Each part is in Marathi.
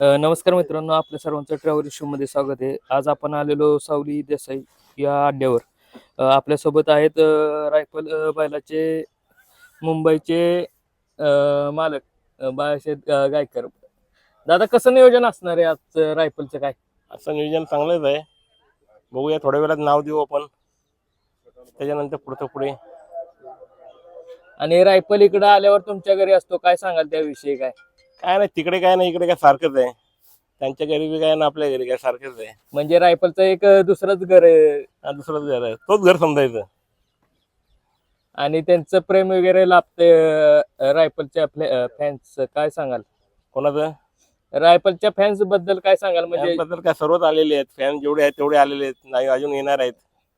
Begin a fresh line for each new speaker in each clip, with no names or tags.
नमस्कार मित्रांनो, आपल्या सर्वांचं ट्रॅव्हल शो मध्ये स्वागत आहे. आज आपण आलेलो सावली देसाई या अड्ड्यावर. आपल्यासोबत आहेत रायफल बैलाचे मुंबईचे मालक बाळासाहेब गायकर. दादा, कसं नियोजन असणार आहे आज रायफलचं काय?
असं नियोजन चांगलंच आहे. बघूया, थोड्या वेळात नाव देऊ आपण, त्याच्यानंतर पुढे.
आणि रायफल इकडे आल्यावर तुमच्या घरी असतो, काय सांगाल त्याविषयी? काय
काय नाही, तिकडे काय नाही, इकडे काय सारखंच आहे. त्यांच्या घरी बी काय ना आपल्या घरी काय सारखंच आहे.
म्हणजे रायफलचं एक दुसरंच घर आहे
दुसरंच घर आहे, तोच घर समजायचं.
आणि त्यांचं प्रेम वगैरे लाभते रायफलच्या फॅन्स, काय सांगाल?
कोणाचं?
रायफलच्या फॅन्स बद्दल काय सांगाल? म्हणजे
बद्दल काय सर्वच आलेले आहेत, फॅन जेवढे आहेत तेवढे आलेले आहेत, नाही अजून येणार आहेत.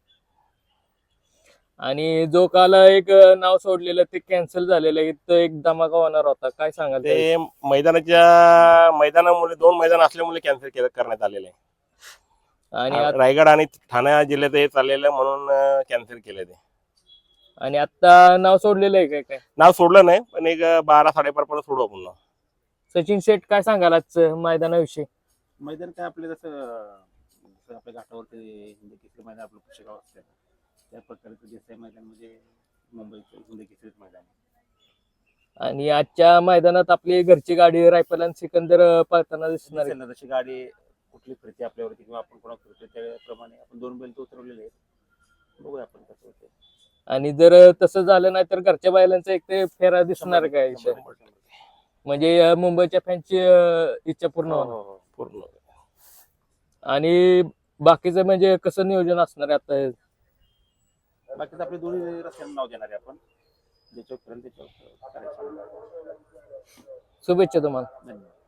आणि जो काल एक नाव सोडलेलं ते कॅन्सल झालेलं आहे, तो एक धमाका होणार होता, काय सांगाल?
ते मैदानामुळे 2 मैदान असल्यामुळे कॅन्सल करण्यात आलेले आहे.
आणि
रायगड आणि ठाणे जिल्ह्यात हे चाललेलं म्हणून कॅन्सल केलं ते.
आणि आता नाव सोडलेलं आहे काय?
नाव सोडलं नाही, पण एक 12-12:30 पर्यंत सोडू आपण नाव.
सचिन शेठ, काय सांगाल आज मैदानाविषयी?
मैदान काय आपले जसं आपल्या घाटावरती हिंदी केसरी मैदान आपलं पुशेगाव असतं त्या प्रकारचं देसाई मैदान म्हणजे मुंबईचं हिंदी केसरी मैदान आहे.
आणि आजच्या मैदानात आपली घरची गाडी रायफल आणि सिकंदर पळताना दिसणार आहे.
जशी गाडी कुठली फिरते आपल्यावरती किंवा आपण कोणा फिरतो त्याप्रमाणे आपण 2 बैल तो उतरवलेले आहेत. बघूया आपण कसं होते.
आणि जर तसं झालं नाही तर घरच्या बैलांचा एक ते फेरा दिसणार काय? म्हणजे मुंबईच्या फॅनची इच्छा पूर्ण होणार.
पूर्ण.
आणि बाकीचं म्हणजे कसं नियोजन असणार आहे आता?
बाकीच आपले दोन्ही रस्त्यांना नाव देणार आहे आपण, ज्याच्यावर करायचं.
शुभेच्छा तुम्हाला.
धन्यवाद.